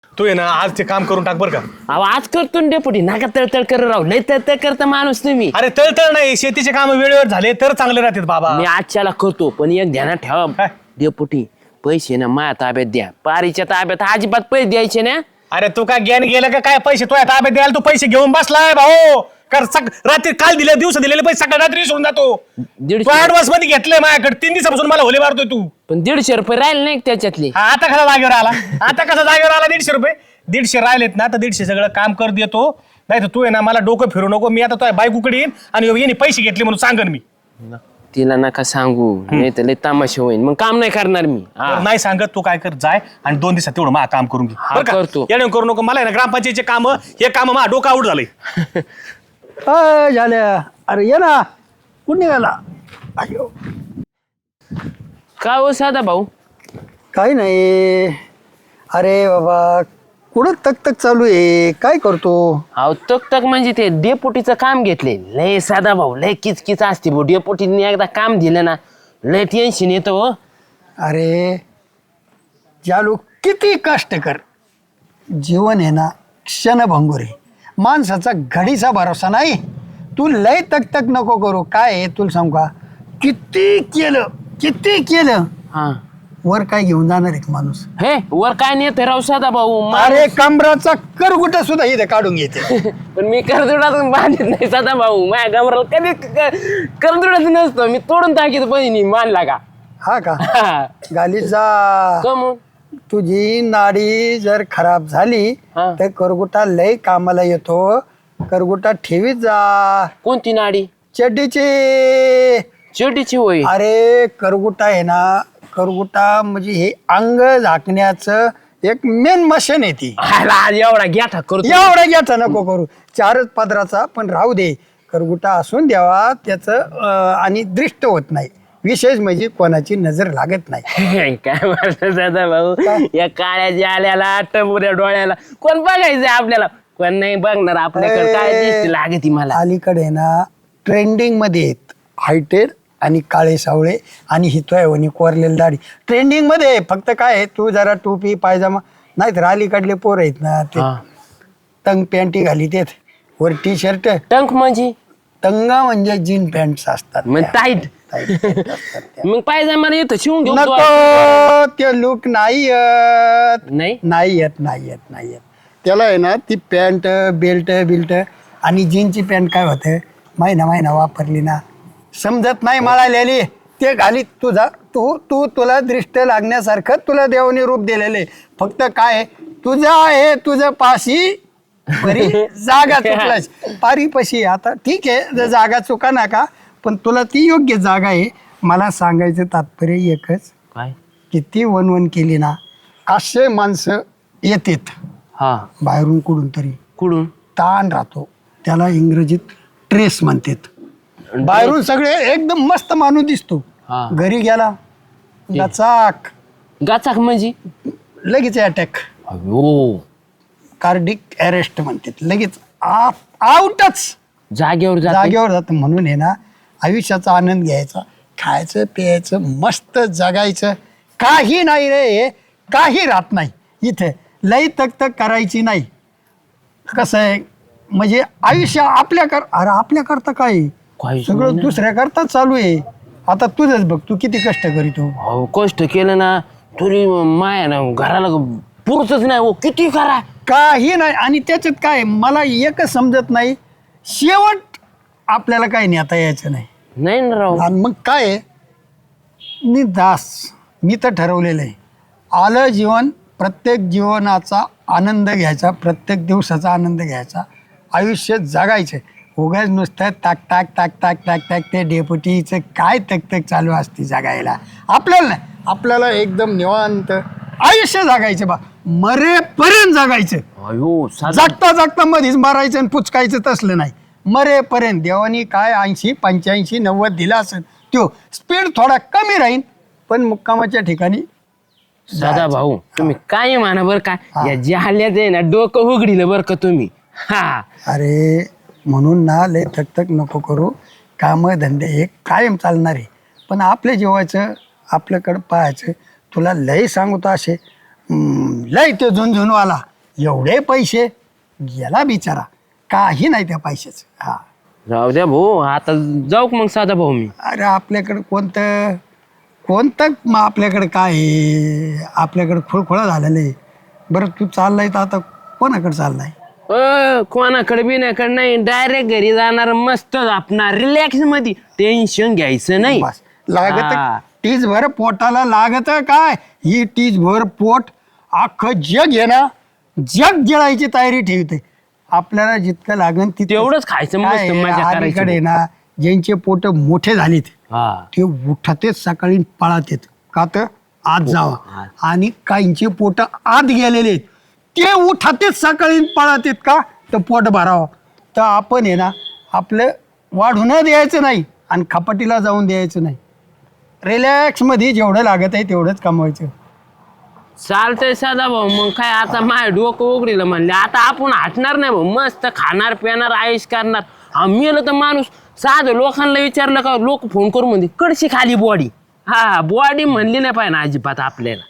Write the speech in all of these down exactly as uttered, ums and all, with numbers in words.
तू आहे ना आज ते काम करून टाक बरं का. अहो आज करतो ना डेपुटी नाका तळतळ कर राहू लय तळतळ करता माणूस तुम्ही. अरे तळतळ नाही, शेतीचे काम वेळेवर झाले तर चांगले राहतात बाबा. मी आजच्याला करतो पण एक ध्यानात ठेवा काय? डेपुटी पैसे ना माझ्या ताब्यात द्या. पारीच्या ताब्यात अजिबात पैसे द्यायचे ना. अरे तू काय ज्ञान गेलं का काय? पैसे तो ताब्यात द्यायला तू पैसे घेऊन बसलाय भाऊ. कर सक रात्री काल दिले दिवस दिलेले पैसे सकाळ रात्री सोडून जातो. दीडशे. तू ऍडव्हान्स मध्ये घेतलंय माझ्याकडे तीन दिवसापासून मला होले मारतोय तू. पण दीडशे रुपये राहिले नाही का त्याच्यातले. हा, आता कसा जागेवर आला? आता कसा जागेवर आला? दीडशे रुपये दीडशे राहिलेत ना तर दीडशे सगळं काम कर देतो. नाही तर तू आहे ना मला डोकं फिरू नको. मी आता तो बायकोकडे येईन आणि यांनी पैसे घेतले म्हणून सांगन मी. तिला नका सांगू नाही तर लय तमाशा होईल मग काम नाही करणार मी. हा. तर नाही सांगत तू काय कर जाय आणि दोन दिवसात तेवढं मा काम करून घे हा, बरं का? करतो. येणं करू नको. मला आहे ना ग्रामपंचायतीचे काम हे काम मा डोकं आउट झालंय. अय झाल्या अरे ये ना कुठं निघाला? अयो का हो साधा भाऊ. काही नाही. अरे बाबा कुठं तक तक चालू आहे? काय करतो? अहो तक तक म्हणजे ते डेपुटीचं काम घेतले लय साधा भाऊ लय किचकिच असते भाऊ. डेपुटीने एकदा काम दिलं ना लय टेन्शन येतं हो. अरे जालू किती कष्ट कर, जीवन आहे ना क्षणभंगुर आहे. माणसाचा घडीचा भरोसा नाही. तू लय तक तक नको करू. काय आहे तुला सांगू का? किती केलं किती केलं हा वर काय घेऊन जाणार एक माणूस? हे वर काय नेत राव साधा भाऊ. अरे कमराचा करगुटा सुद्धा इथे काढून घेते. पण मी करदुडातून बांधत नाही साधा भाऊ. माझ्या गमराला कधी करदुडाच नसतो मी तोडून टाकीत बहिणी मानला का. हा का? गाली जा. कमून तुझी नाडी जर खराब झाली हा. तर करगुटा लय कामाला येतो. करगुटा ठेवीत जा. कोणती नाडी. चड्डीची. शेवटीची होय. अरे करगुटा आहे ना, करगुटा म्हणजे हे अंग झाकण्याचं एक मेन मशीन आहे ती. आला, आज एवढा घ्या करतो. एवढा घ्यायचा नको करू. चारच पदराचा पण राहू दे. करगुटा असून द्यावा त्याचं अं, आणि दृष्ट होत नाही. विशेष म्हणजे कोणाची नजर लागत नाही. काय म्हणतो साधा भाऊ. या काळ्या आल्याला टबुऱ्या डोळ्याला कोण बघायचंय आपल्याला. कोण नाही बघणार आपल्याकडे. काय दिसते लागती मला. अलीकडे ना ट्रेंडिंग मध्ये आहेत हायटेड आणि काळे सावळे आणि हितोय कोरलेली दाढी ट्रेंडिंग मध्ये आहे. फक्त काय आहे, तू जरा टोपी पायजामा नाही तर अलीकडले पोर आहेत ना ते हा. तंग पॅन्टी घाली देत वर टी शर्ट. टंक म्हणजे तंग म्हणजे जीन पॅन्ट असतात मग त्या. टाईट. Tight pant असतात त्या. मग पायजामा येतो शिवून घेऊन नको ते लुक नाही येत. नाही नाही येत नाही येत नाही येत. त्याला आहे ना ती पॅन्ट बेल्ट बिल्ट आणि जीनची पॅन्ट काय होतं महिना महिना वापरली ना समजत नाही मळालेली ते घाली. तुझा तू तू तुला दृष्ट लागण्यासारखं तुला देवाने रूप दिलेले. फक्त काय तुझा आहे तुझं पाशी बरी जागा चुकलाच पारीपाशी. आता ठीक आहे जर जागा चुका नका पण तुला ती योग्य जागा आहे. मला सांगायचं तात्पर्य एकच, काय. किती वनवन केली ना असे माणसं येतात हा बाहेरून कुठून तरी. कुठून. ताण राहतो त्याला इंग्रजीत ट्रेस म्हणतात. बाहेरून सगळे एकदम मस्त माणूस दिसतो. हा. घरी गेला गचाक गाचाक म्हणजे. लगेच अटॅक अयो कार्डिक अरेस्ट म्हणतात. लगेच आउटच जागेवर जाते. जागेवर जातं. म्हणून आहे ना आयुष्याचा आनंद घ्यायचा, खायचं प्यायचं मस्त जगायचं. काही नाही रे, काही राहत नाही इथे. लई तक तक करायची नाही. कसं आहे म्हणजे आयुष्य आपल्या कर अरे आपल्या करता काय आहे? काही सगळं दुसऱ्या करता चालू आहे. आता तुझंच बघ तू किती कष्ट करीतो. अहो कष्ट केलं ना तरी माया ना घराला पुरतच नाही हो. किती करा काही नाही. आणि त्याच्यात काय मला एकच समजत नाही, शेवट आपल्याला काही नेता यायचं नाही. नाही ना राव. आणि मग काय आहे, मी दास मी तर ठरवलेलं आहे आलं जीवन प्रत्येक जीवनाचा आनंद घ्यायचा, प्रत्येक दिवसाचा आनंद घ्यायचा, आयुष्य जगायचं. उगाच नुसतं ताक ताक ताक ताक ताक ताक ते डेपुटीचं काय तक तक चालू असते जगायला. आपल्याला नाही, आपल्याला एकदम निवांत आयुष्य जगायचं बा. मरेपर्यंत जगायचं. अयो साधा. जगता जगता मध्येच मारायचं आणि पुचकायचं तसलं नाही. मरेपर्यंत देवानी काय ऐंशी पंच्याऐंशी नव्वद दिला असेल तो स्पीड थोडा कमी राहील पण मुक्कामाच्या ठिकाणी. साधा भाऊ तुम्ही काय म्हणा बरं का या जाल्याच आहे ना डोकं उघडीलं बरं का तुम्ही. हा अरे म्हणून ना लय थकथक नको करू. कामं धंदे हे कायम चालणार आहे पण आपल्या जेवायचं आपल्याकडं पाहायचं. तुला लय सांगतो असे हम्म, लय ते झुंझुनवाला एवढे पैसे गेला बिचारा, काही नाही त्या पैशाचं. हा राहू द्या भाऊ, आता जाऊ का मग साधा भाऊ मी. अरे आपल्याकडं कोणतं कोणतं मग आपल्याकडे काय आहे? आपल्याकडे खुळखुळा झालेलं आहे. बरं तू चाललाय तर आता कोणाकडे चाललाय? अ, कोणाकडे बिनाकडे नाही, डायरेक्ट घरी जाणार, मस्त आपणार रिलॅक्स मध्ये, टेन्शन घ्यायचं नाही. बस लागत हा. टीज भर पोटाला लागत काय, ही टीज भर पोट अख्खं जग आहे ना, जग गिळायची तयारी ठेवते. आपल्याला जितकं लागन तितकं तेवढंच खायचं, मस्त काय आहे, मजा करायची. अलीकडे ना ज्यांचे पोट मोठे झालेत हा ते उठतेच सकाळी पळात येत का तर आत जावा, आणि काहींचे पोट आत गेलेले आहेत ते उठतेच सकाळी पळात येत का तर पोट भरावं. तर आपण आहे ना आपलं वाढू न द्यायचं नाही आणि खपाटीला जाऊन द्यायचं नाही. रिलॅक्समध्ये जेवढं लागत आहे तेवढंच कमवायचं. चालतंय साधा भाऊ, मग काय आता माय डोकं उघडीलं म्हणले, आता आपण हटणार नाही भाऊ, मस्त खाणार पिणार आयुष करणार. आम्ही आलं तर माणूस साधं लोकांना विचारलं का लोक फोन करून म्हणते कडशी खाली बॉडी. हा बॉडी म्हणली नाही पाहिजे ना अजिबात आपल्याला.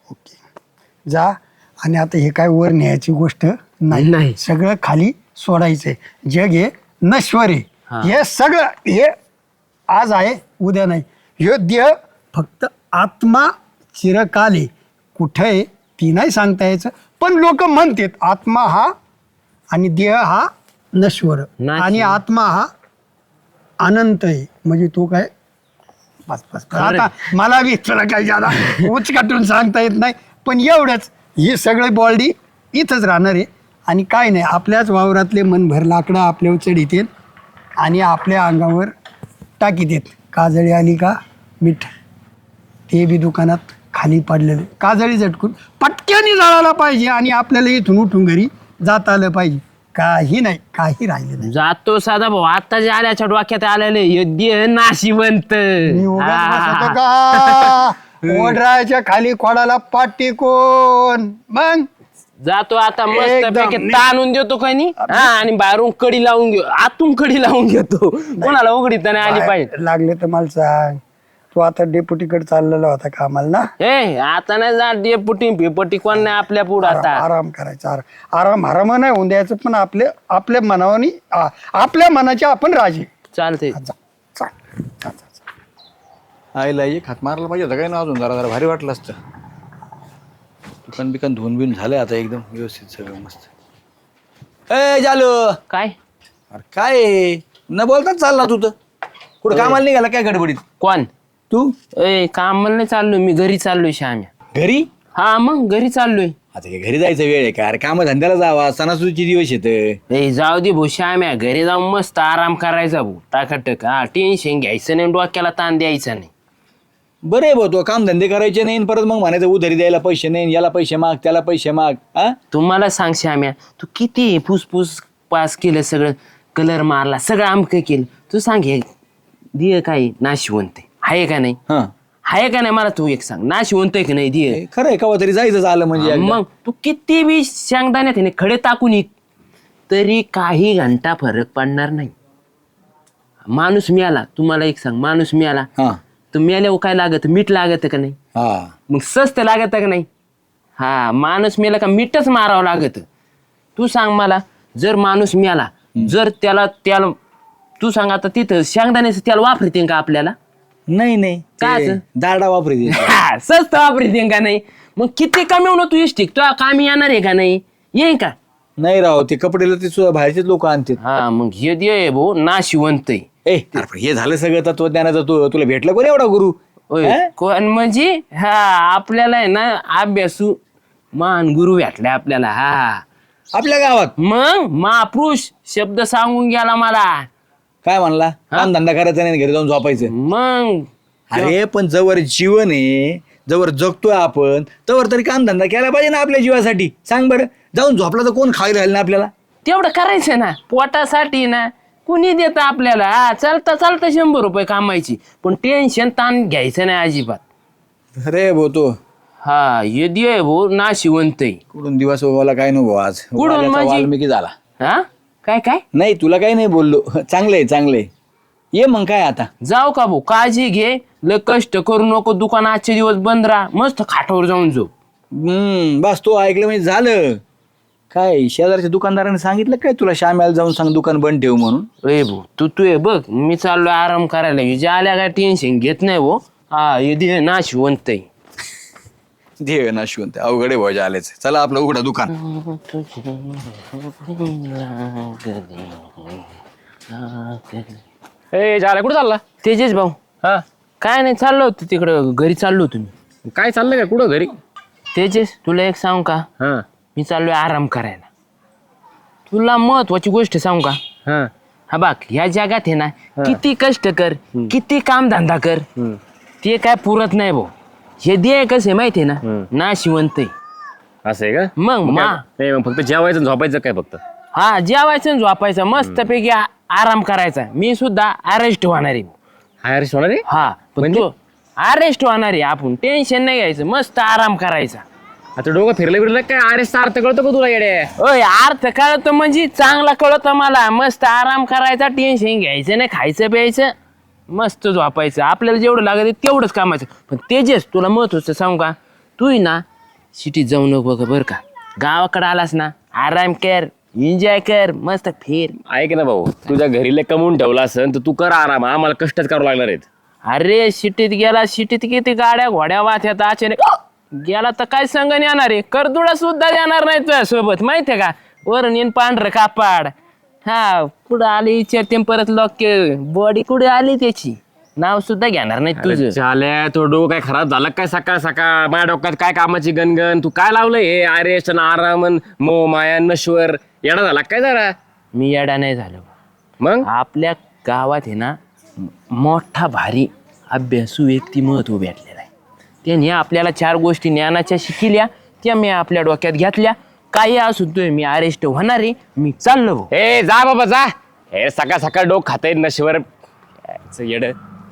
ओके जा, आणि आता हे काय वर न्यायची गोष्ट नाही, नाही. सगळं खाली सोडायचंय. जग हे नश्वर आहे, हा. हे सगळं हे आज आहे उद्या नाही. हे देह फक्त आत्मा चिरकाल आहे, कुठं आहे ती नाही सांगता यायचं, पण लोक म्हणतात आत्मा हा आणि देह हा नश्वर नाश. आणि आत्मा हा अनंत आहे. म्हणजे तो काय बस बस बस. खरं. आता मला बी तुला काही ज्यादा उच काटून सांगता येत नाही, पण एवढंच ही सगळी बॉडी इथंच राहणार आहे. आणि काय नाही, आपल्याच वावरातले मनभर लाकडं आपल्यावर चढीत येत आणि आपल्या अंगावर टाकीत येत. काजळी आली का मीठ, ते बी दुकानात खाली पडलेलं, काजळी झटकून पटक्याने जाळायला पाहिजे आणि आपल्याला इथून उठून घरी जाता आलं पाहिजे. काही नाही, काही राहिलं नाही. जातो साधा भाऊ, आता जे आल्याच्या डोक्यात आलेले योग्य नाशिवंत. मी उगाच बसवतो हा. का ओढराच्या खाली खोडाला पाठ टेकून मग जातो आता मस्त एकदम पैकी नी- ताणून देतो काही नाही, हा, आणि बाहेरून कडी लावून घेऊ, आतून कडी लावून घेतो, कोणाला उघडीत नाही आली पाहिजे. लागले तर मला सांग, तू आता डेप्युटीकडे चाललेला होता कामाला ना? हे आता नाही जा डेपुटी पेपटी कोण नाही आपल्या पुढं आराम आता. आराम करायचा, आराम आराम आराम नाही होऊन द्यायचं, पण आपले आपल्या मनावानी आ- आपल्या मनाचे आपण राजे. चालतंय. जा, चाल, जा, जा, जा. आईला एक हात मारला पाहिजे होता काय ना, अजून जरा जरा भारी वाटलं असतं. दुकान बिकान धुवून बिवून झालं आता एकदम व्यवस्थित सगळं मस्त. ए जालो, काय अरे काय आहे? न बोलताच चालला तू तर कुठं कामाला निघाला काय गडबडीत कोण तू? ए काम नाही चाललोय मी, घरी चाललोय श्याम्या. घरी? हा मग घरी चाललोय. आता काय घरी जायचं वेळ आहे का? अरे काम धंद्याला जावा, सणासुदीचे दिवस येत. ए जाऊ दे भाऊ श्याम्या, घरी जाऊन मस्त आराम करायचा भाऊ, टाकाटक. हा टेन्शन घ्यायचं नाही, डोक्याला ताण द्यायचा नाही. बरं आहे भाऊ, तो काम धंदे करायचे नाही परत मग म्हणायचं उधारी द्यायला पैसे नाही, याला पैसे माग त्याला पैसे माग. हा तुम्हाला सांग श्याम्या, तू किती फुसफुस पास केलं, सगळं कलर मारला, सगळं आमकं केलं, तू सांग हे दिय काय नाशिवंत आहे का नाही? हा आहे का नाही मला तू एक सांग, नाशिवंत आहे का नाही दिय? खरं आहे, कवा तरी जायचं झालं म्हणजे एकदा. मग तू किती बी शेंगदाण्यात आहे ना खडे टाकून ये, तरी काही घंटा फरक पडणार नाही. माणूस मिळाला, तुम्हाला एक सांग, माणूस मिळाला हा तर मिळाल्यावर काय लागत? मीठ लागत का नाही? हा मग स्वस्त लागत का नाही? हा माणूस मिळाला का मीठच मारावं लागत. तू सांग मला, जर माणूस मिळाला, जर त्याला त्याला तू सांग आता तिथं शेंगदाण्याचं त्याला वापरते का आपल्याला? नाही नाही काय ते असं? दारडा वापरी हा, स्वस्त वापरते का नाही? मग किती कमी होणं तू इष्टिक तुला कामी येणार आहे का नाही? येईन का? नाही राव, ते कपडेला ते सु- बाहेरचेच लोक आणतात. हा मग हे दे भाऊ नाशिवंत आहे. ए अरे पण हे झालं सगळं तत्वज्ञानाचं, तू तुला भेटलं कोण एवढा गुरु? होय. हा? कोण म्हणजे? हा आपल्याला आहे ना अभ्यासू मान गुरु भेटलाय आपल्याला. हा आपल्या गावात मग महापुरुष शब्द सांगून गेला मला. काय म्हणला? काम धंदा करायचा नाही, घरी जाऊन झोपायचं. मग अरे पण जवळ जीवन आहे, जवळ जगतोय आपण, तवर तरी काम धंदा केला पाहिजे ना आपल्या जीवासाठी. सांग बरं, जाऊन झोपला तर कोण खायला राहील ना आपल्याला? तेवढं करायचं ना पोटासाठी ना, कुणी देत आपल्याला? हा चालता चालता शंभर रुपये कामायची, पण टेन्शन ताण घ्यायचं नाही अजिबात. अरे भाऊ तो हा ये दे भाऊ नाशिवंत आहे. कुठून दिवस उगवला काय नको आज. कुठून वाल्याचा म्हणजे? वाल्मिकी झाला. हा काय काय नाही तुला काही नाही बोललो. चांगलंय चांगलंय, ये मग काय आता. जाऊ का भाऊ, काळजी घे, लय कष्ट करू नको, दुकान आजचे दिवस बंद राहा, मस्त खाटावर जाऊन जाऊ. हम्म बस तो ऐकलं म्हणजे झालं. काय शेजारच्या दुकानदाराने सांगितलं काय तुला श्याम्याला जाऊन सांग दुकान बंद ठेव म्हणून? ए भाऊ तू तू ये बघ मी चाललोय आराम करायला हिजे आल्या काय टेन्शन घेत नाही भाऊ. हा हे दे नाशिवंत आहे. दे ना शिवून ते अवघडे भाऊच्या आलेच. चला आपलं उघडा दुकान. ए झाला कुठं चालला? तेजेश भाऊ हा काय नाही चाललो होतो तिकडं घरी चाललो होतो मी. काय चाललंय का कुठं घरी? तेजेश तुला एक सांगू का हा मी चाललोय आराम करायला. तुला महत्वाची गोष्ट सांगू का हा हा बघ ह्या जगात आहे ना किती कष्ट कर किती काम धंदा कर ते काय पुरत नाही भाऊ. हे दे कसं माहितीये ना ना शिवंत आहे. असं आहे का? मग मा नाही मग फक्त जेवायचं झोपायचं काय फक्त? हा जेवायचं आणि झोपायचं मस्तपैकी आ- आराम करायचा. मी सुद्धा अरेस्ट होणार आहे. हायर होणार आहे? हा पण तू अरेस्ट होणार आहे. आपण टेन्शन नाही घ्यायचं मस्त आराम करायचा. आता डोकं फिरलं बिरलं काय? अरे अर्थ कळतो का तुला येडे? ओय अर्थ कळतो म्हणजे चांगला कळतो मला. मस्त आराम करायचा टेन्शन घ्यायचं नाही खायचं प्यायचं मस्त झोपायचं. आपल्याला जेवढं लागत आहे तेवढंच कामाचं. पण तेजेस तुला महत्वाचं सांगू का तू ना सिटीत जाऊ नको बघ बरं का. गावाकडे आलास ना आराम कर एन्जॉय कर मस्त फिर. ऐक ना भाऊ तुझ्या घरीला कमवून ठेवला असेल तर तू कर आराम. आम्हाला कष्टच करावं लागणार आहेत. अरे सिटीत गेला सिटीत किती गाड्या घोड्या वाहत्यात अचानक गेला तर काय संग येणार आहे. करदुडा सुद्धा येणार नाही तुझ्या सोबत माहितीये का. वरून येईन पांढरं कापाड. हा कुठं आली विचारते परत लोक बॉडी कुठे आली त्याची नाव सुद्धा घेणार नाही तुझं. झाल्या तो डोकं काय खराब झाला काय सकाळ सकाळ? माझ्या डोक्यात काय कामाची गणगण? तू काय लावलंय हे आरेश आरामन मो माया नश्वर येणा झाला काय जरा? मी येडा नाही झालो. मग आपल्या गावात आहे ना मोठा भारी अभ्यासू व्यक्ती महत्व भेटलेला आहे. त्यांनी आपल्याला चार गोष्टी ज्ञानाच्या शिकल्या त्या मी आपल्या डोक्यात घेतल्या. काही असू तोय मी अरेस्ट होणार आहे. मी चाललो भाऊ. ए जा बाबा जा. हे सकाळ सकाळ डोक खाताय नश्वर येड.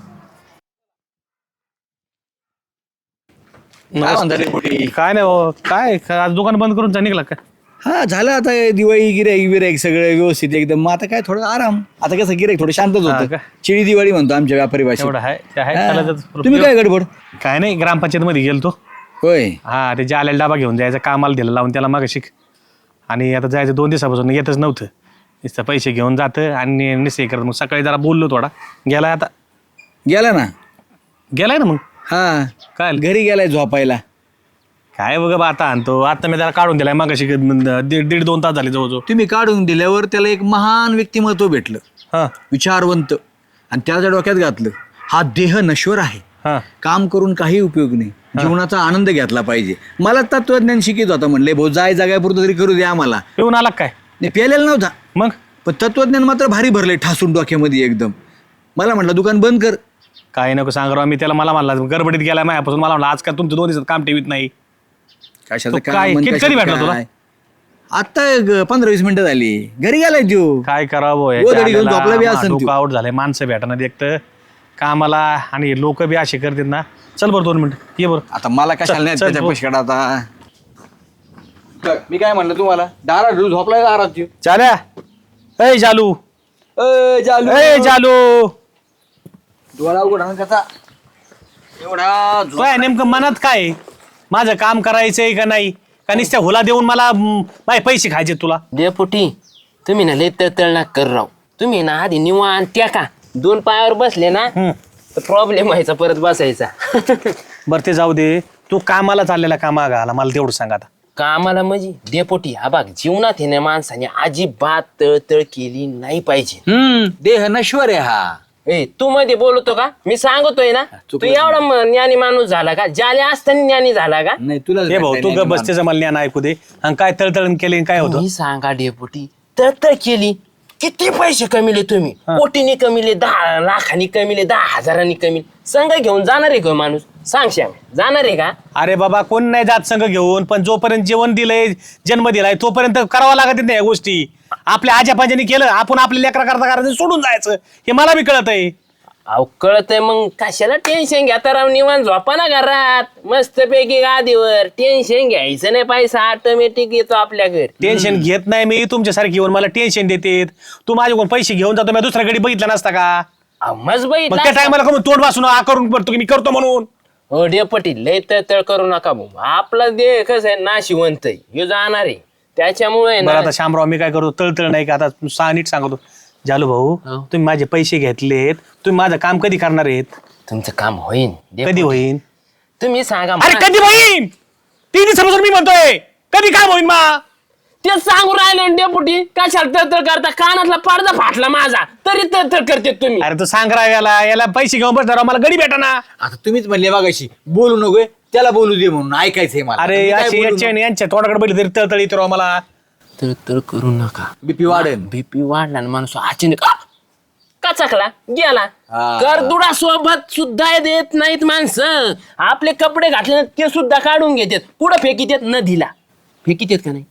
काय म्हणता रे पोटी? काय नाही भाऊ काय आज दुकान बंद करून जा निघला का? हा झालं आता दिवाळी गिराईक बिराईक सगळं व्यवस्थित एकदम. मग आता काय थोडं आराम. आता कसं गिराईक थोडं शांतच हा होतं. का? चिडी दिवाळी म्हणतो आमच्या व्यापारी भाषेत. एवढं आहे ते आहे हा. चालतच. तुम्ही काय गडबड? काय नाही ग्रामपंचायत मध्ये गेलतो. होय हा ते जाल्याला डबा घेऊन जायचं कामाला दिलं लावून त्याला मग शिक. आणि आता जायचं दोन दिवसापासून येतच नव्हतं. नुसतं पैसे घेऊन जातं आणि निश्चय करत. मग सकाळी जरा बोललो थोडा गेलाय आता. गेला ना. गेलाय ना मग हा काय घरी गेलाय झोपायला. काय बघ बा आता आणतो. आता मी त्याला काढून दिलाय मग दीड दीड दोन तास झाले जवळजवळ. तुम्ही काढून दिल्यावर त्याला एक महान व्यक्तिमत्व भेटलं. हा विचारवंत. आणि त्याच्या डोक्यात घातलं हा देह नश्वर आहे. हा काम करून काही उपयोग नाही. जीवनाचा आनंद घेतला पाहिजे. मला तत्वज्ञान शिकित होता. म्हणले भाऊ जाय जागापुरतं तरी करू दे आम्हाला. येऊन आला काय? नाही प्यायलेला नव्हता. मग पण तत्वज्ञान मात्र भारी भरले ठासून डोक्यामध्ये एकदम. मला म्हटलं दुकान बंद कर. काय नको सांग राव. मी त्याला मला म्हणला गडबडीत गेला माझ्यापासून. मला म्हणलं आज काय तुमचं दोन दिवसात काम ठेवीत नाही. कशाचं तो काय? मन, किती- कशाचं कधी भेटला तुला? काय? आता पंधरा वीस मिनिटं झाली. घरी गेलाय तो. काय करावं गोधडी घेऊन झोपला बी असेल त्यो. आउट झालंय. माणसं भेटणार एकतर कामाला आणि लोक बी असे करतात ना. चल बरं दोन मिनिट ये बरं. आता मला कशाला नाही चल, त्याच्या चल, पैशाकडे आता. मी काय म्हणलं तुम्हाला दारा ढळून झोपलाय का आरात? चाल्या ए जालू चालू ए जालू डोळा उघडा ना कसा एवढा झोप- काय नेमकं मनात काय आहे? माझं काम करायचंय का नाही का नुसत्या हुला देऊन मला म, माझे पैसे खायचे तुला? डेपुटी तुम्ही ना लय तळतळ ना कर राव. तुम्ही ना आधी निवांत त्या का दोन पायावर बसले ना हम्म. तर प्रॉब्लेम व्हायचा परत बसायचा. बरं ते जाऊ दे. तू कामाला चाललेला कामा आला मला तेवढं सांग आता. कामाला म्हणजे डेपोटी हा बघ जीवनात येण्या माणसाने अजिबात तळतळ केली नाही पाहिजे. हम्म देह नश्वर आहे हा. ए तू मध्ये बोलतो का? मी सांगतोय ना तू चुकलं. एवढा म- ज्ञानी माणूस झाला का? ज्याला असताना ज्ञानी झाला का? नाही तुला हे भाऊ तू ग बसतेच मला ज्ञान ऐकू दे. आणि काय तळतळण केले काय होतं? मी सांगा डेपुटी तळतळ केली किती पैसे कमिले तुम्ही? कोटीने कमिले, दहा लाखांनी कमिले, दहा हजारांनी कमिले. संघ घेऊन जाणार आहे का माणूस? सांग श्याम जाणार आहे का? अरे बाबा कोण नाही जात संघ घेऊन. पण जोपर्यंत जेवण दिलंय जन्म दिलाय तोपर्यंत करावं लागत नाही या गोष्टी. आपल्या आजापाजाने केलं आपण आपल्या लेकरा करता करायचं सोडून जायचं हे मला बी कळत आहे. अहो कळतंय मग कशाला टेन्शन घेता राव. निवांत झोपा ना घरात मस्त पैकी गादीवर. टेन्शन घ्यायचं नाही. पैसा ऑटोमॅटिक येतो आपल्या घरी. टेन्शन घेत नाही मी तुमच्यासारखी येऊन मला टेन्शन देते. तू माझ्याकडून पैसे घेऊन जातो मी दुसऱ्या गडी बघितला नसता का? अहो, मस्त मग त्या बघितलं टायमाला का मग तोंड वाचून आ करून करतो की मी करतो म्हणून. हो डेपटी लय तळतळ करू नका भाऊ. आपला देह कसं आहे नाशिवंत आहे. ह्यो जाणार आहे त्याच्यामुळे बरं ना आता शामराव मी काय करतो तळतळ नाही का आता सहा नीट सांगतो जालू भाऊ हो. तुम्ही माझे पैसे घेतलेत तुम्ही माझं काम कधी करणार आहेत तुमचं काम होईन कधी होईन तुम्ही सांगा अरे मला. कधी होईन तीन दिवसापासून मी म्हणतोय कधी काम होईन मा ते सांगू राहिले डेपुटी कशाला तळतळ करता कानातला पडदा फाटला माझा तरी तळतळ करते तुम्ही अरे तू सांग राव याला याला पैसे घेऊन बसणार मला गडी भेटा ना आता तुम्हीच म्हणले मागाशी बोलू नकोय त्याला बोलू दे म्हणून ऐकायचंय मला अरे मी काय याची बोलू याच्या आणि यांच्या तोंडाकडे बैल तरी तळतळ येतो राव मला तळतळ करू नका बीपी वाढेल बीपी वाढला ना माणूस अचानक आ! कचकला गेला हा. करदुडा सोबत सुद्धा देत नाहीत माणसं आपले कपडे घातले ना ते सुद्धा काढून घेतात कुठं फेकीत नदीला फेकीत का नाही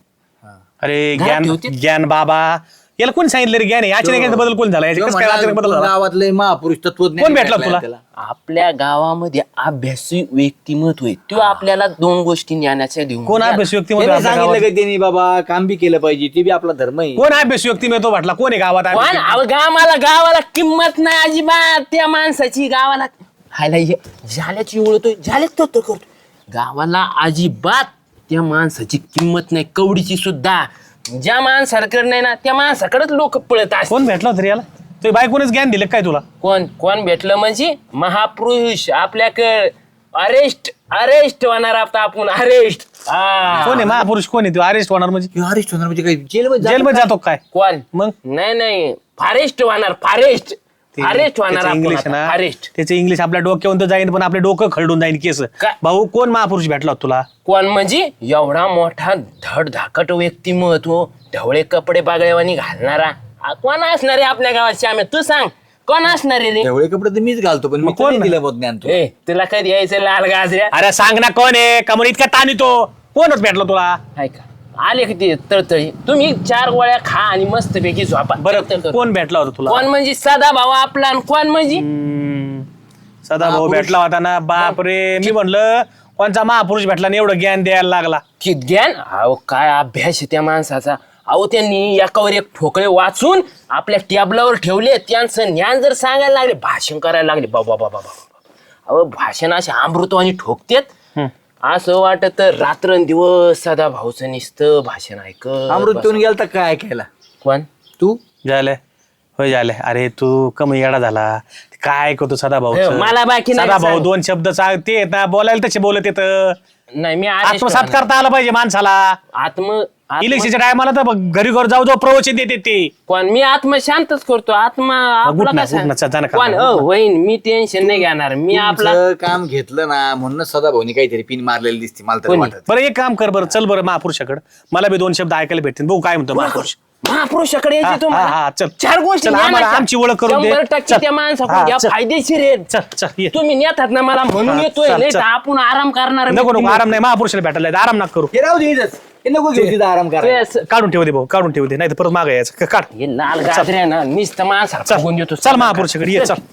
अरे घरात ज्ञान ठेवते? ज्ञान बाबा याला कोण सांगितलं रे ज्ञान आहे अचानक बदल कोण झाला याच्यात कसं काय अचानक बदल झाला गावातले महापुरुष तत्वज्ञान कोण भेटला तुला? आपल्या गावामध्ये अभ्यासी व्यक्तिमत्व आहे तो आपल्याला दोन गोष्टी ज्ञानाच्या देऊन कोण अभ्यास व्यक्ती मध्ये त्यांनी आपल्या सांगितलं गावात? का त्यांनी बाबा काम बी केलं पाहिजे ते बी आपला धर्म आहे कोण अभ्यास व्यक्ती मिळतो म्हटला कोण आहे गावात अभ्यास पण व्यक्ती? अहो, गावाला गावाला किंमत नाही अजिबात त्या माणसाची गावाला हायला हे झाल्याची ओळखतोय झाल्याच तो तो करतो गावाला अजिबात त्या माणसाची किंमत नाही कवडीची सुद्धा ज्या माणसाकडे नाही ना त्या माणसाकडेच लोक पळत असतात कोण भेटला होता रे याला तुझी बायकोनेच ज्ञान दिलं काय तुला कोण कोण भेटलं म्हणजे महापुरुष आपल्याकडे अरेस्ट अरेस्ट होणार आता आपण अरेस्ट कोण आहे महापुरुष कोण आहे तू अरेस्ट होणार म्हणजे अरेस्ट होणार म्हणजे काय जेलमध्ये जेलमध्ये जातो काय कोण मग नाही नाही फारेस्ट होणार फारेस्ट फारेस्ट होणार त्याचं आपण इंग्लिश आता, ना फारेस्ट त्याचं इंग्लिश आपल्या डोक्यावरून तर जाईन पण आपले डोकं खरडून जाईन केस काय? भाऊ कोण महापुरुष भेटला होता तुला कोण म्हणजे एवढा मोठा धड धाकट व्यक्तिमत्व ढवळे कपडे बागळेवानी घालणारा आ, कोण असणार आहे आपल्या गावात श्यामे तू सांग कोण असणार आहे रे तेवढे कपडे तर मीच घालतो पण मग मी कोण कोण नाही? दिलं बघ ज्ञान तू ए तुला कधी यायचं लाल गाजऱ्या अरे सांग ना कोण आहे का म्हणून इतका ताण येतो कोणच भेटला तुला हाय का आले की ते तळतळी तुम्ही चार गोळ्या खा आणि मस्त पैकी झोपा बरं तळतळ. कोण भेटला होता तुला कोण म्हणजे सदा भाऊ आपला आणि कोण म्हणजे हम्म, सदा भाऊ भेटला होता ना बाप रे मी म्हणलं कोणचा महापुरुष भेटला आणि एवढं ज्ञान द्यायला लागला की ज्ञान अहो काय अभ्यास आहे त्या माणसाचा अहो त्यांनी एकावर एक ठोकळे वाचून आपल्या टेबलावर ठेवले त्यांचं ज्ञान जर सांगायला लागले भाषण करायला लागले बाबा बाबा बाबा अहो भाषण असे अमृतवाणी ठोकतेत असं वाटत रात्रंदिवस सदा भाऊचं नुसतं भाषण ऐक अमृत पिऊन गेलता काय ऐकायला कोण तू झालंय होय झालंय अरे तू कमी येडा झाला काय ऐकतो सदा भाऊ हे, मला बाकी नाही सदा भाऊ सांग. दोन शब्द सांग ते येत ना बोलायला तसे बोलत येत नाही मी आत्मसात करता आला पाहिजे माणसाला आत्म आत्म- इलेक्शनच्या टायमाला तर बघ, घरी घर जाऊ जाऊ प्रवचन देते ते कोण मी आत्म शांतच करतो आत्मा आपला उठ ना, कसा? उठ ना, चल, जा ना, कोण काम. अ, होईन मी टेन्शन नाही घेणार मी आपला तुमचं काम घेतलं ना म्हणूनच सदा भाऊनी काहीतरी पिन मारलेली दिसते मला तरी कोणी? वाटत बरं एक काम कर बरं चल बरं महापुरुषाकडे मला बी दोन शब्द ऐकायला भेटतील भाऊ काय म्हणतो महापुरुष महापुरुषाकडे हा, यायची तुम्हाला हा, हा, चल. चार गोष्टी चल, आम्हाला ज्ञानाच्या. आमची ओळख करून दे. शंभर टक्के चल. त्या माणसाकडून हा, घ्या, चल. फायदेशीर आहे चल चल ये तुम्ही नेतात ना मला म्हणून हा, येतोय चल, नाही चल. तर आपण आराम करणार नको नको आराम नाही महापुरुषाला भेटायला जायचं, आराम नका करू हे राहू दे इथंच. हे नको घेऊ तिथं आराम करा ते काढून ठेवू दे भाऊ काढून ठेवू दे नाही तर परत मागे यायचं क- काढ हे लाल गाजऱ्या ना नुसतं माणसाला चल फुगून देतो चल महापुरुषाकडे ये चल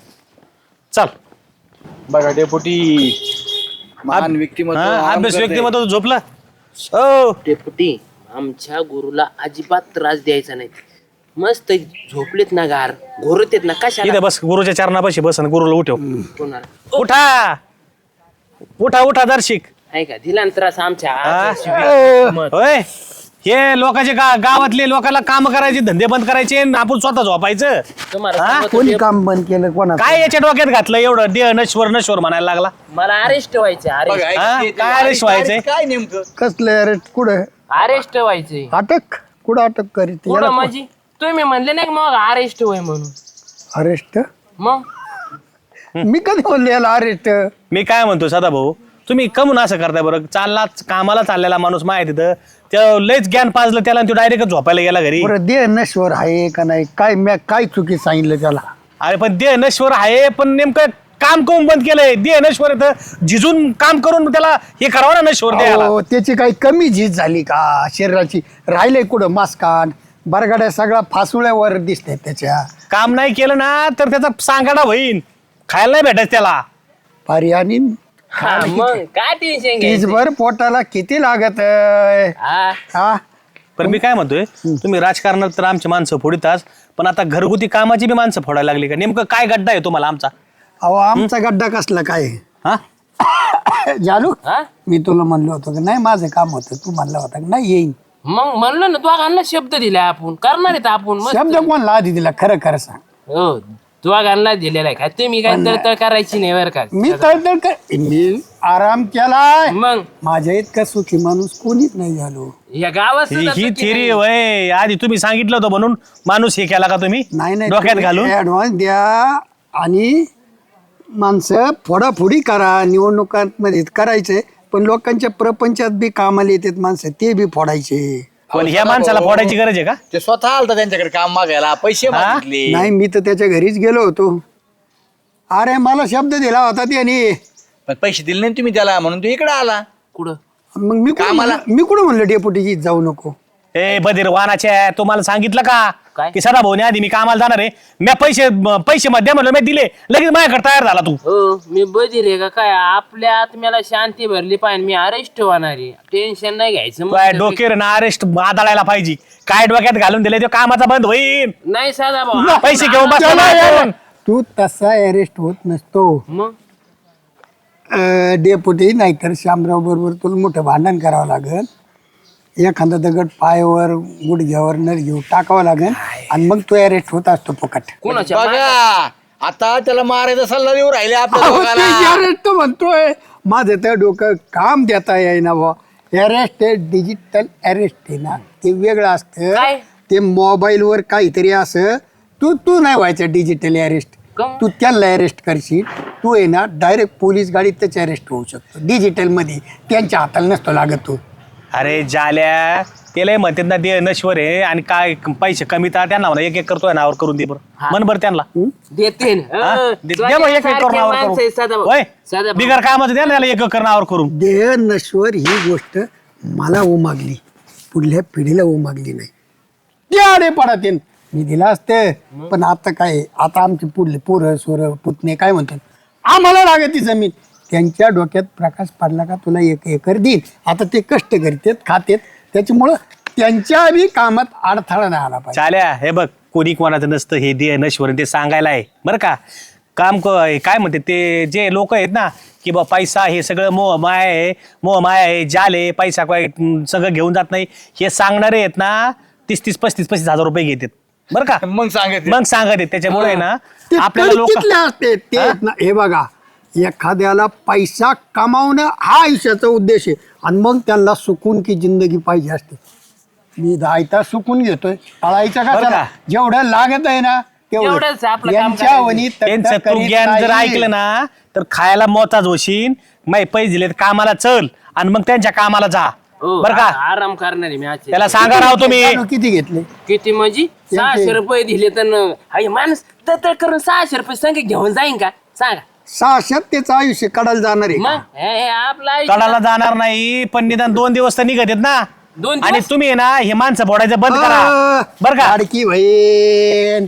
चल बघा डेपुटी महान व्यक्तिमत्व हा, आराम अभ्यास करते. व्यक्तिमत्व झोपला हो डेपुटी आमच्या गुरुला अजिबात त्रास द्यायचा नाही मस्त झोपलेत ना गार घोरतेत ना कशाला इथे बस गुरुच्या चरणापाशी बस आणि गुरुला उठव कोणाला? उठा उठा उठा दर्शिक आहे का दिला ना त्रास आमच्या हा? आजच्या शिव्या. होय हे लोकांचे गा- गावातले लोकांना काम करायचे धंदे बंद करायचे आणि आपण स्वतः झोपायचं तुम्हाला हा? सांगतो कोणी ते- काम बंद केलं कोणा काय याच्या डोक्यात घातलं एवढं देह नश्वर नश्वर म्हणायला लागला मला अरेस्ट व्हायचे बघा, अरेस्ट ऐक, हा? ते- ते- काय अरे, अरेस्ट व्हायचंय? काय नेमकं कसलं अरे कुठं अरेस्ट व्हायचे अटक कुठं अटक करीत पुढं माझी तुम्ही म्हणले नाही का मग अरेस्ट होय म्हणून अरेस्ट मग मी कधी म्हणले याला अरेस्ट मी काय म्हणतो सदा भाऊ तुम्ही कमून असं करताय बरं चालला कामाला चाललेला माणूस माहिती तिथं त्या लयच ज्ञान पाजलं त्याला आणि तो डायरेक्ट झोपायला गेला घरी बरं देह नश्वर आहे का नाही काय मी काय चुकी सांगितलं त्याला अरे पण देह नश्वर आहे पण नेमकं काम करून बंद केलंय देह नश्वर आहे तर झिजून काम करून त्याला हे करावं ना नश्वर द्यायला अहो, त्याची काही कमी झीज झाली का शरीराची राहिले कुठं मास्कान बरगाड्या सगळा फासुळ्यावर दिसते त्याच्या काम नाही केलं ना तर त्याचा सांगाडा होईन खायला नाही भेटायचं त्याला पर्यानी हा, मग काय टेन्शन घ्यायचं तीसभर पोटाला किती लागत आहे? हा हा पण मी काय म्हणतोय तुम्ही राजकारणात तर आमची माणसं फोडिताच पण आता घरगुती कामाची बी माणसं फोडायला लागली का नेमकं काय गड्डा आहे तुम्हाला आमचा अहो आमचा गड्डा कसला काय हा जानू हा मी तुला म्हणलो होतो की नाही माझं काम होतं तू म्हणला होता की नाही येईन मग म्हणलं ना दोघांना शब्द दिलाय आपण करणार आहेत आपण मस्त. शब्द कोणला आधी दिला खरं खरं सांग. हो दोघांना दिलेला आहे का तुम्ही काय तळतळ करायची नाही बरं का. मी तळतळ कर मी आराम केलाय. मग माझ्या इतका सुखी माणूस कोणीच नाही झालो. या गावात ही सुद्धा ही चुकी थिरी नाही. वय आधी तुम्ही सांगितलं होतं म्हणून माणूस हे केला का तुम्ही नाही नाही डोक्यात घालून ऍडव्हान्स द्या आणि माणसं फोडाफोडी करा. निवडणुकांमध्ये करायचंय पण लोकांच्या प्रपंचात बी कामाला येतात माणसं ते बी फोडायचे. पण ह्या माणसाला फोडायची गरज आहे का? ते स्वतः आलता त्यांच्याकडे काम मागायला पैसे मागितले. नाही मी तर त्याच्या घरीच गेलो होतो. अरे मला शब्द दिला होता त्याने. पण पैसे दिले नाही तुम्ही त्याला म्हणून तू इकडे आला. कुठं मग मी कुठं कामाला? म्हणलं- मी कुठं म्हणलं डेपुटीची जाऊ नको. ए बधीर वानाच्या तुम्हाला सांगितलं का काय? की सदा भाऊने आधी मी कामाला जाणार आहे मी पैसे पैसे मध्ये म्हणलं मी दिले लगेच माझ्याकडे तयार झाला तू. हो मी बधीर आहे का काय आपल्या आत्म्याला शांती भरली पाहिजे मी अरेस्ट होणार आहे टेन्शन नाही घ्यायचं काय मग. डोक्यावर ना अरेस्ट आदळायला पाहिजे काय डोक्यात घालून दिले तो कामाचा बंद होईल नाही साधा भाऊ पैसे घेऊन बसला चला ना यार. आपण. तू तसा अरेस्ट होत नसतो. मग अं, डेपुटी नाहीतर शामराव बरोबर तुला मोठं भांडण करावं लागेल. एखादा दगड पायावर गुडघ्यावर नर घेऊ टाकावं लागेल आणि मग तो अरेस्ट होत असतो फुकट. कोणाच्या बघा आता त्याला मारायचा सल्ला देऊ राहिले आपल्या अहो, दोघाला. ते अरेस्ट तो म्हणतोय माझं तर डोकं काम देता येईना बुवा. अरेस्ट आहे डिजिटल अरेस्ट आहे ना ते वेगळं असतं. काय? ते मोबाईलवर काहीतरी असं तू तू नाही व्हायचं डिजिटल अरेस्ट. काहून? तू त्याला अरेस्ट करशील तू आहे ना डायरेक्ट पोलीस गाडीत त्याचे अरेस्ट होऊ शकतो. डिजिटल मध्ये त्यांच्या हाताला नसतो लागत तू. अरे जाल्या त्याला म्हणतात ना ते नश्वर आहे आणि काय पैसे कमी तर त्यांना म्हणा एक एक करतोय नावावर करून दे बरं मन बरं त्यांना देते ना. हा? हं. दे- दे बरं, एक एक सारखे करून नावावर माणसं आहे साधा करून भाऊ. होय साधा भाऊ. बिगर कामाचं द्या ना त्याला एक एक नावावर करून. देह नश्वर ही गोष्ट मला उमागली पुढल्या पिढीला उमागली नाही. त्याडे पडत मी दिला असते पण आता काय आता आमचे पुढले पोरं सोरं पुतणे काय म्हणतात आम्हाला लागत ती जमीन. त्यांच्या डोक्यात प्रकाश पडला का तुला एक एकर देईन. आता ते कष्ट करतात खातेत त्याच्यामुळं त्यांच्या बी कामात अडथळा नाही आला पाहिजे. चाल्या हे बघ कोणी कोणाचं नसतं हे दे नश्वर ते सांगायला आहे बरं का. काम क- काय म्हणते ते जे लोक आहेत ना की बा पैसा हे सगळं मोह माय आहे मोह माय आहे जाल आहे पैसा काय अं, सगळं घेऊन जात नाही हे सांगणारे आहेत ना तीस तीस पस्तीस पस्तीस हजार रुपये घेतात बरं का. मग सांगत मग सांगत आहेत त्याच्यामुळे आहे ना ते आपल्याला लोक तडकीतले असते ते आहेत ना. हे बघा एखाद्याला पैसा कमावणं हा आयुष्याचा उद्देश आहे आणि मग त्यांना सुकून की जिंदगी पाहिजे असते. मी दायता सुकून घेतोय पळायचं का बरं त्याला? का? जेवढं लागत आहे ना तेवढंच आपलं काम यांच्या करायचं. वनी त्यांचं तू ज्ञान जर ऐकलं ना तर खायला मोताज होशील माही पैसे दिले तर कामाला चल आणि मग त्यांच्या कामाला जा हो, बरं का. आ- आराम करणार आहे मी आज त्याला सांगा राव तुम्ही किती घेतले किती म्हणजे सहाशे रुपये दिले तर न- हाय माणूस तर करून सहाशे रुपये संग घेऊन जाईन का सांगा सहाश्यात त्याचं आयुष्य काढायला जाणार आहे मग हे हे आपलं आयुष्य- कडाला जाणार नाही पण निदान दोन दिवस तर निघत आहेत ना. दोन आणि दिवस? तुम्ही आहे ना हे माणसं फोडायचं बंद करा बरं का. लाडकी बहीण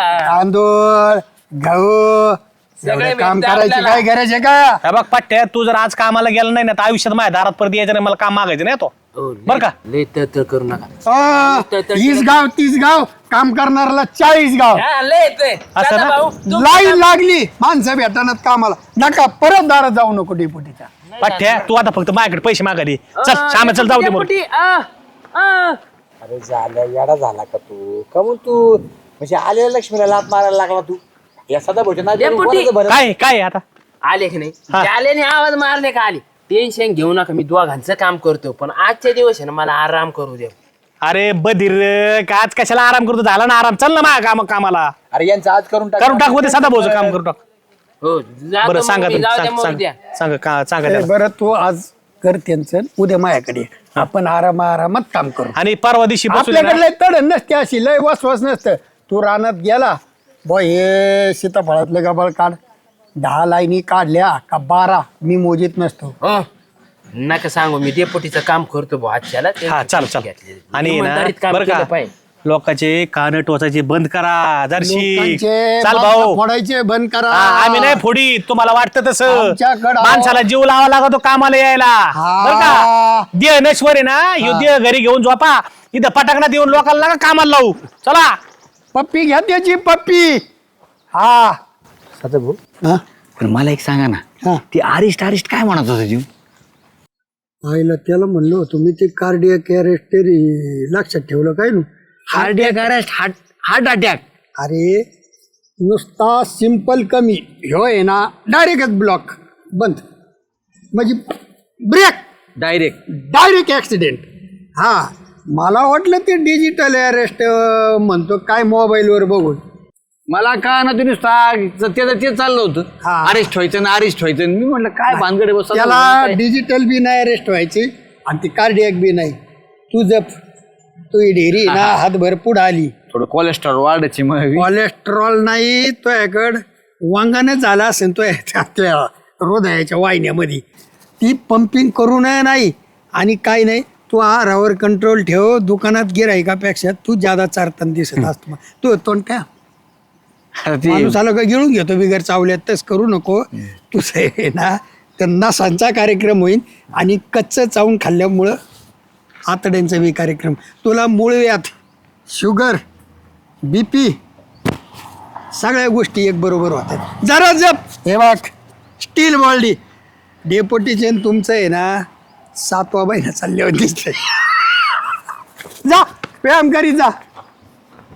तांदूळ गहू सगळे एवढं काम भेटतं करायची आपल्याला. काय गरज आहे का? हे बघ पट्ट्या तू जर आज कामाला गेला नाही ना तर आयुष्यात माझ्या दारात परत यायचं नाही मला काम मागायचं नाही तो हो, बरं का. लय तर करू नका अं, वीस गाव तीस गाव काम करणाऱ्याला चाळीस गाव हा, लय येतंय. असं दादा ना? भाऊ, तू- लाईन लागली माणसं भेटणार कामाला नका परत दारात जाऊ नको डेपुटीच्या. पट्ट्या तू आता फक्त माझ्याकडे पैसे मागा दे चल आ, श्यामा चल जाऊ दे म्हणून. डेपुटी, आ, आ. अरे झाल्या येडा झाला का तू का मग तू म्हणजे आलेल्या लक्ष्मीला लात मारायला लागला तू या सदा भोजन डेपुटी. काय काय आहे आता आले की नाही हा. आल्याने आवाज मारले का आले टेन्शन घेऊ नका मी दोघांचं काम करतो पण आजच्या दिवस आहे ना मला आराम करू दे. अरे बधीर का आज कशाला आराम करतो झाला ना आराम चल ना माझ्या काम कामाला अरे यांचं आज करून टाक करून टाकू दे साधा भाऊचं काम करून टाक. हो जातो बरं मग सांगा मी, तुम्ही जाऊ द्या सांग- मग सांग- उद्या. सांगा का सांगा ए, त्याला. बरं तू आज कर त्यांचं उद्या माझ्याकडे ये. आपण आराम आरामात काम करू. आणि परवा दिवशी बसून आपल्याकडे लय तड नसते अशी लय वसवस नसतं. तू रानात गेला ब हे सीताफळातलं गबाळ काढ दहा लाईनी काढल्या का बारा मी मोजीत नसतो. हो नका सांगू मी डेपुटीचं काम करतो भाऊ आजच्याला ते हा चाल चाल घेतलेलं. आणि ना इमानदारीत काम बरं केलं का पाहिजे. लोकांचे कान टोचायचे बंद करा जरशी लोकांचे चाल मांस भाऊ फोडायचे बंद करा. हा, आम्ही नाही फोडी तुम्हाला वाटतं तसं आमच्याकडं- माणसाला जीव लावा लागतो कामाला यायला हा. बरं का देह नश्वर आहे ना ह्यो देह घरी घेऊन झोपा इथं पटाकनात येऊन लोकांना नका कामाला लावू चला पप्पी घ्या त्याची पप्पी. हा सदा भाऊ हा? पण मला एक सांगा हा. ना ती अरिस्ट अरिस्ट काय म्हणत होता जीव आईला त्याला म्हणलो होतो मी ते कार्डियक अरेस्ट तरी लक्षात ठेवलं काय ना heart arrest heart heart attack अरे नुसता सिंपल कमी ह्यो आहे ना डायरेक्टच ब्लॉक बंद म्हणजे ब्रेक डायरेक्ट डायरेक्ट ॲक्सिडेंट. हा मला वाटलं ते डिजिटल अरेस्ट म्हणतो काय मोबाईलवर बघून. मला का ना तुम्ही त्याचं ते चाललं होतं हा. अरेस्ट व्हायचं ना अरेस्ट व्हायचं मी म्हटलं काय भानगडे बस त्याला डिजिटल बी नाही अरेस्ट व्हायची आणि ती कार्डियक बी नाही. तू जप तू ही ढेरी ना हातभर पुढं आली. थोडं कोलेस्ट्रॉल वाढायची मग कोलेस्ट्रॉल नाही तो याकड वांगाने झाला असेल तो त्या त्या हृदयाच्या वाहिन्यामध्ये ती पंपिंग करू नये नाही आणि काही नाही. तू आहारावर कंट्रोल ठेव. दुकानात गिरायकापेक्षा तू ज्यादा चारताना दिसत असतो. तू तोंड काय माणूस आलं का गिळून घेतो बिगर चावल्यात तस करू नको. तुझं आहे ना तर नसांचा कार्यक्रम होईल आणि कच्चं चावून खाल्ल्यामुळं आतड्यांचा बी कार्यक्रम. तुला मूळव्याध शुगर बी पी सगळ्या गोष्टी एक बरोबर होतात. जरा जप हे बघ स्टील बॉल्डी डेपोटीचे तुमचं आहे ना सातवा महिना चालल्यावर दिसतंय. जा व्यायाम करीत जा.